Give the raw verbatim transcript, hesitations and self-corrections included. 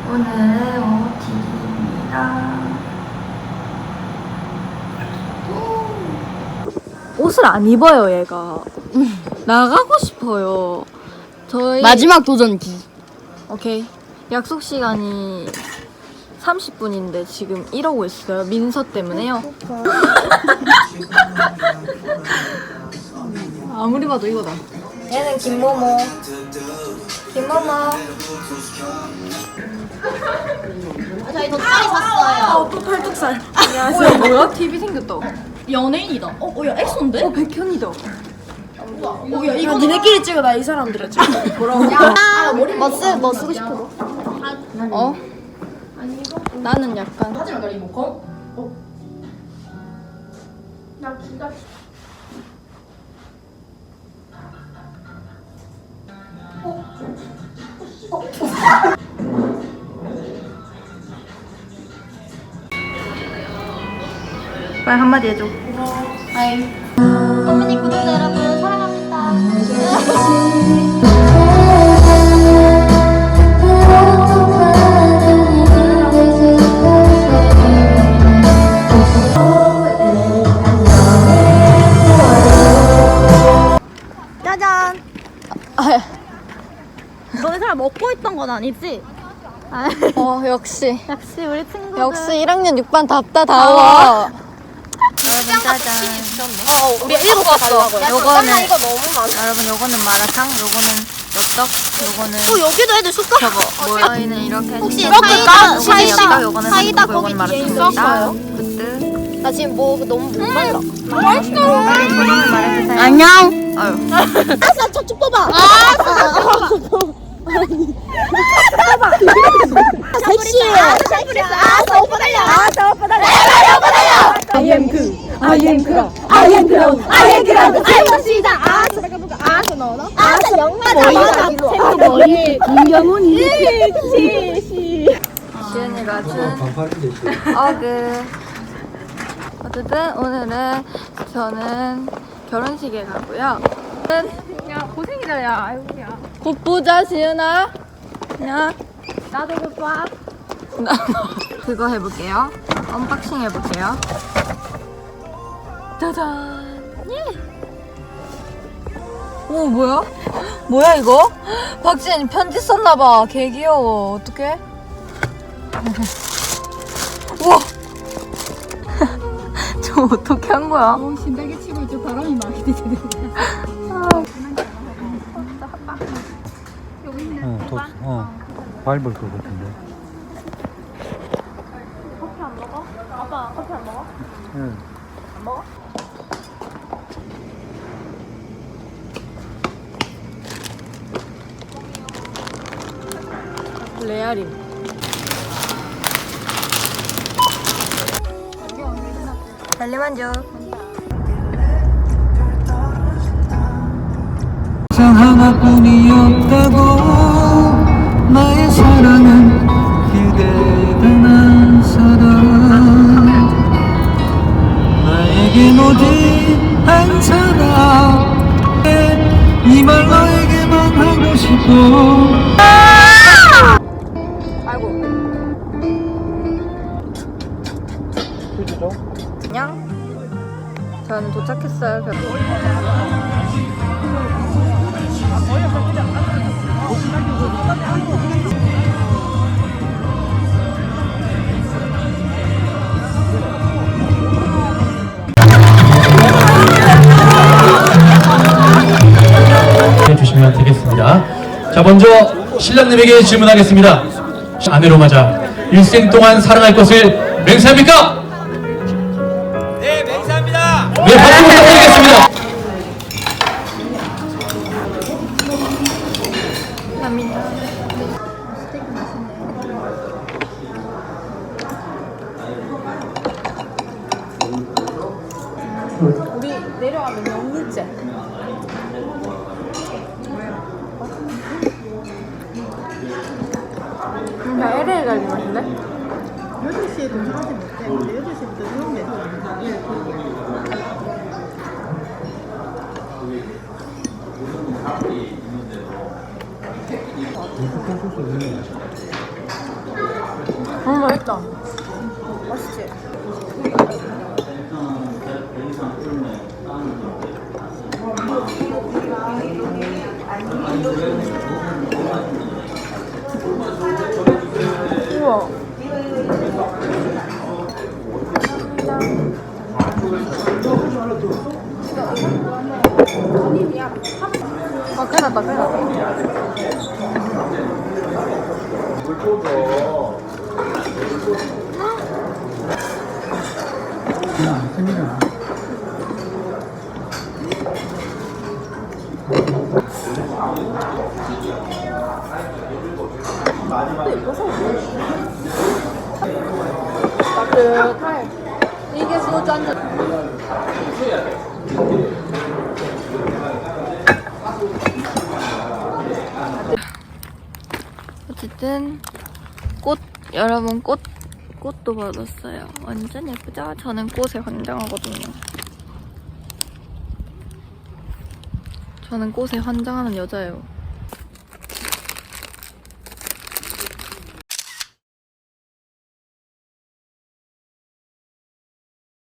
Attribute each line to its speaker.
Speaker 1: 오늘은 오티입니다. 옷을 안 입어요, 얘가. 나가고 싶어요. 저희
Speaker 2: 마지막 도전기.
Speaker 1: 오케이. 약속 시간이 삼십 분인데 지금 이러고 있어요. 민서 때문에요. 아무리 봐도 이거다. 얘는 김모모. 김모모.
Speaker 2: 저희 돗자리 샀어요.
Speaker 1: 어, 또 팔뚝살. 안녕하세요. 뭐야? 티비 생겼다.
Speaker 2: 연예인이다. 어, 어, 야, 엑소인데?
Speaker 1: 어, 백현이다.
Speaker 2: 어, 야, 이거
Speaker 1: 니네끼리 찍어. 나 이 사람들을 찍어. 뭐라고?
Speaker 2: 아, 뭐, 쓰, 뭐 쓰고 싶어?
Speaker 1: 어? 나는 약간
Speaker 2: 하지마, 나 리모컨. 어. 나 기가.
Speaker 1: 빨리 한마디 해줘.
Speaker 2: 하이. 어머니 구독자 여러분 사랑합니다.
Speaker 1: 짜잔.
Speaker 2: 너네 사람 먹고 있던 건 아니지?
Speaker 1: 어, 역시.
Speaker 2: 역시 우리 친구들.
Speaker 1: 역시 일 학년 육 반 답다다워. 여러분 짜잔.
Speaker 2: 어, 우리 일곱 개 달라고요.
Speaker 1: 요거는
Speaker 2: 이거 너무 많아.
Speaker 1: 여러분 요거는 마라탕, 요거는 엽떡, 요거는
Speaker 2: 어, 여기도 애들 숟가락.
Speaker 1: 저거 뭐야? 저희는 이렇게
Speaker 2: 혹시
Speaker 1: 시켰어요.
Speaker 2: 사이다,
Speaker 1: 요거는
Speaker 2: 사이다,
Speaker 1: 엽떡, 요거는
Speaker 2: 사이다
Speaker 1: 삼겹,
Speaker 2: 거기
Speaker 1: 요거는
Speaker 2: 뒤에
Speaker 1: 마라탕입니다.
Speaker 2: 있었어요?
Speaker 1: 굿드.
Speaker 2: 나 지금 뭐 너무 못 말라.
Speaker 1: 빨리 소감을 말해주세요.
Speaker 2: 안녕.
Speaker 1: 아유.
Speaker 2: 아싸, 저쪽 뽑아. 아싸, 섹시해. 아싸, 오빠 달려. 아싸, 오빠 달려. 달려, 오빠 달려.
Speaker 1: I am 그, I am 그,
Speaker 2: I am 그라운드, I am 그라운드. 아싸, 아싸, 아싸, 넣어. 아싸, 영만 맞아. 머리. 김경훈이. 그치, 시.
Speaker 1: 지은이가 준 어그. 어쨌든 오늘은 저는 결혼식에 가고요. 야 고생이다 야. 아이고야. 곧 보자 지은아. 야.
Speaker 2: 나도 못 봐.
Speaker 1: 나 그거 해볼게요. 언박싱 해볼게요. 짜잔. 예. 오 뭐야? 뭐야 이거? 박지현이 편지 썼나봐. 개 귀여워. 어떡해? 우와. 저 어떻게 한 거야?
Speaker 2: 어, 신나게 치고 있죠. 바람이 많이 되잖아.
Speaker 3: 어, 더, 어, 밟을 것 같은데.
Speaker 2: 커피 안 먹어? 아빠 커피 안 먹어?
Speaker 3: 응.
Speaker 2: 안 먹어?
Speaker 1: 레알임. 달리만족.
Speaker 3: 상 하나뿐이었다고 나의 사랑은 그대 단 사랑 나에겐 오직 한 사람 이 말 너에게만 하고 싶어
Speaker 1: 아이고.
Speaker 3: 그죠?
Speaker 1: 안녕. 저는 도착했어요. 결국.
Speaker 4: 해주시면 되겠습니다. 자, 먼저 신랑님에게 질문하겠습니다. 아내로 맞아 일생 동안 사랑할 것을 맹세합니까?
Speaker 5: 네, 맹세합니다.
Speaker 4: 네, 박수 부탁드리겠습니다.
Speaker 1: 감사합니다. 우리 내려가면 영리제. 음, 나 엘에이 갈 맛인데?
Speaker 6: 여덟 시에 도착하지 못해. 근데 여덟 시부터 이런 게 맛있다. 맛있지? 우와. 아, 큰일 났다, 큰일 났다. 따뜻해. 이게 소주 한 잔.
Speaker 1: 어쨌든 꽃 여러분 꽃 꽃도 받았어요. 완전 예쁘죠? 저는 꽃에 환장하거든요. 저는 꽃에 환장하는 여자예요.